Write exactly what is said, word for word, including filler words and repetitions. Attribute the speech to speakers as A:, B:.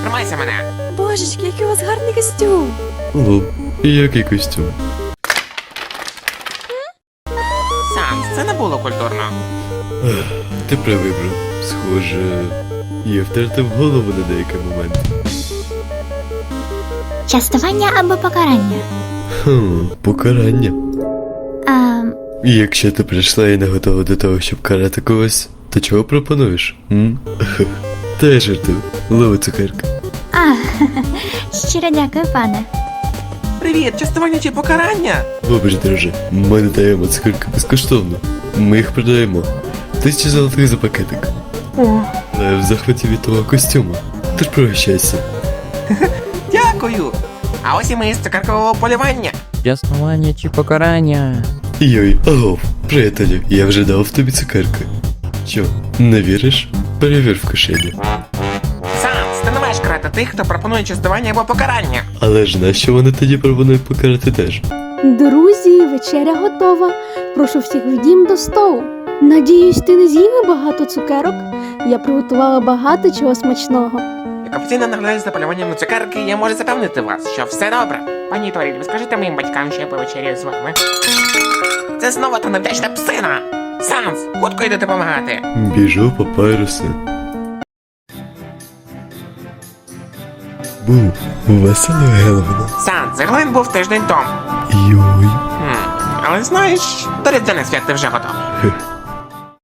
A: тримайся мене.
B: Божечки, який у вас гарний костюм.
C: Лоб, який костюм?
A: Санс, це не було культурно.
C: Ех, Ти правий, бро. Схоже, я втратив голову на деякий момент.
D: Частування або покарання?
C: Хм, покарання.
D: А,
C: І якщо ти прийшла і не готова до того, щоб карати когось, то чого пропонуєш? М? Та я жартую. Лови цукерка.
D: а щиро дякую, пане.
A: Привіт, частування чи покарання?
C: Вибач, друже, ми не даємо цукерки безкоштовно. Ми їх продаємо. Тисяча золотих за пакетик.
A: О,
C: Але я в захваті від того костюму. Тож пригощайся.
A: дякую. А ось і ми з цукеркового полювання.
E: Частування чи покарання?
C: Йой, агов, приятелю, я вже дав тобі цукерки. Що, не віриш? Перевір в кишені.
A: Санс, ти не маєш карати тих, хто пропонує частування або покарання.
C: Але ж нащо вони тоді пропонують покарати теж?
B: Друзі, вечеря готова. Прошу всіх в дім до столу. Надіюсь, ти не з'їли багато цукерок? Я приготувала багато чого смачного.
A: Як офіційно наглядач за полюванням на цукерки, я можу запевнити вас, що все добре. Пані Торіль, ви скажете моїм батькам, що я повечеряю з вами? Це знову та невдячна псина! Санс, хутко йди допомагати.
C: Біжу папайруси. Бу, весело Геловина.
A: Санс, загалом був тиждень тому.
C: Йой.
A: Хм, але знаєш, до різдвяних свят ти вже готовий.